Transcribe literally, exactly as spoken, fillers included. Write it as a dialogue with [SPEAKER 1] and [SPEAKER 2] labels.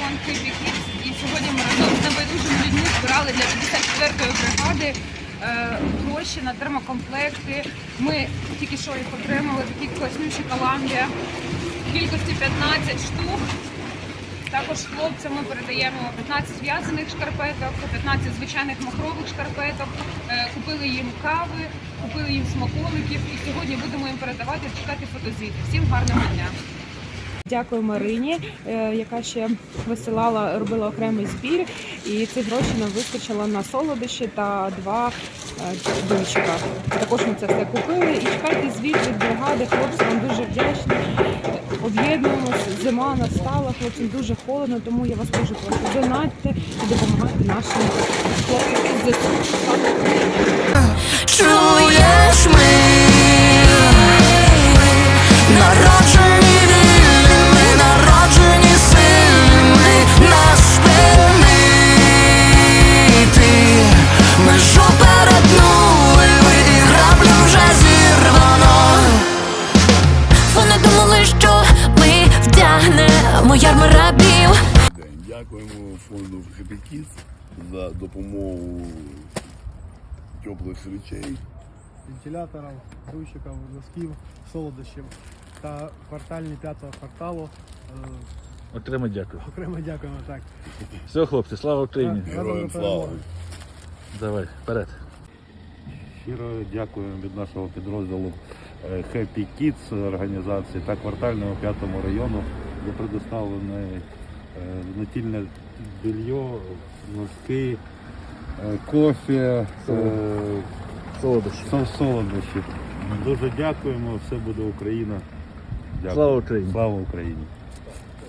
[SPEAKER 1] фонд Happy Kids, і сьогодні ми разом з небайдужими людьми збирали для п'ятдесят четвертої бригади е, гроші на термокомплекти. Ми тільки що їх отримали, такі класнючі Коламбія, в кількості п'ятнадцять штук. Також хлопцям ми передаємо п'ятнадцять в'язаних шкарпеток, п'ятнадцять звичайних махрових шкарпеток, е, купили їм кави, купили їм смаколиків і сьогодні будемо їм передавати, чекати фотозвіти. Всім гарного дня!
[SPEAKER 2] Дякую Марині, яка ще висилала, робила окремий збір, і цих грошей нам вистачило на солодощі та два дончика. Також ми це все купили і чекайте звіт від бригади, хлопці вам дуже вдячні. Об'єднуємося, зима настала, хлопцям дуже холодно, тому я вас дуже прошу, донатьте і допомагайте нашим хлопцям із ЗСУ.
[SPEAKER 3] Чуєш ми, народжені вільними, народжені сильними, нас спинити. Межу перетнули ви, і граблю вже зірвано. Вони думали, що ми вдягнемо ярми рабів.
[SPEAKER 4] Дякуємо фонду Happy Kids за допомогу теплих речей,
[SPEAKER 5] вентиляторів, дуйчиків, носків, солодощів та квартальні п'ятого кварталу.
[SPEAKER 6] Окремо дякую.
[SPEAKER 5] Окремо дякуємо, так.
[SPEAKER 6] Все, хлопці, слава Україні!
[SPEAKER 4] героям слава!
[SPEAKER 6] Давай, вперед!
[SPEAKER 7] Щиро дякуємо від нашого підрозділу Happy Kids організації та квартального п'ятому району за предоставлене натільне белье, носки, кофе,
[SPEAKER 6] Солодощі.
[SPEAKER 7] солодощі. Дуже дякуємо, все буде Україна. Дякую.
[SPEAKER 6] Слава Україні!
[SPEAKER 7] Слава Україні!